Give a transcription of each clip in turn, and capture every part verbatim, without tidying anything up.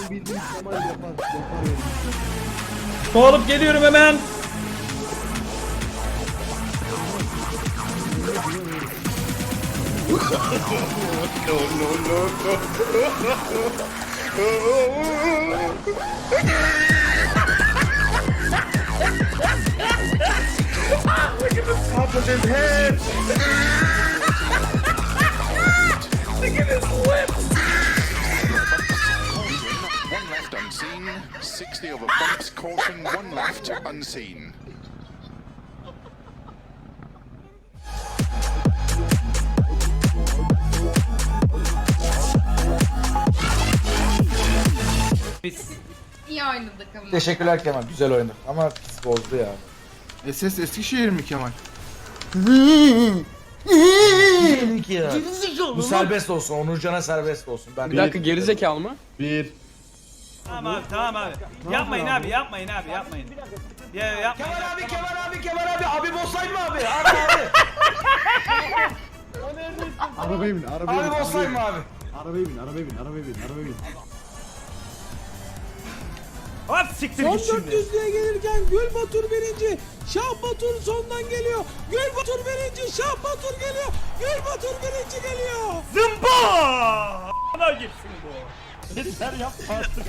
Benim bildiğim Kemal yapar. Yapar yani. Su alıp geliyorum hemen. Top of his head. Look at his lips. One left unseen. sixty over bumps. Caution. One left unseen. İyi oynadık ama. Teşekkürler Kemal. Güzel oynadı. Ama pis bozdu ya. S S Eskişehir mi Kemal? Bu serbest olsun. Onurcan'a serbest olsun. Ben Bir dakika gerizekalı mı? Bir. Tamam abi tamam abi. Yapmayın abi yapmayın abi yapmayın. Ya yapmayın. Kemal abi, Kemal abi, Kemal abi. Abi bosslayın mı abi? Abi abi. Arabaya bin, arabaya bin. Abi bosslayın mı abi? Arabaya bin, arabaya bin, arabaya bin, arabaya bin. Hop siktir git Son şimdi. dört yüzlüğe gelirken Gül Batur birinci. Şah Batur sondan geliyor. Gül Batur birinci. Şah Batur geliyor. Gül Batur birinci geliyor. Zımba! Ana gitsin bu. Yeter yapma artık.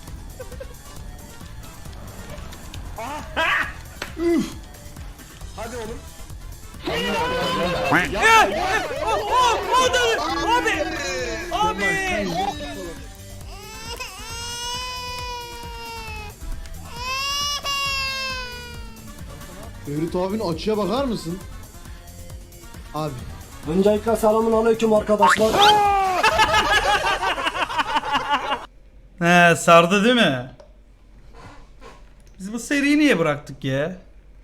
Hadi oğlum. Ya! O o o da abi. Abi. Ferit abinin açıya bakar mısın? Abi. Öncelikle selamun aleyküm arkadaşlar. He sardı değil mi? Biz bu seriyi niye bıraktık ya?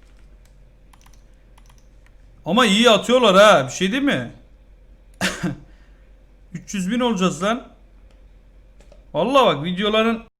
Ama iyi atıyorlar ha. Bir şey değil mi? üç yüz bin olacağız lan. Vallahi bak videoların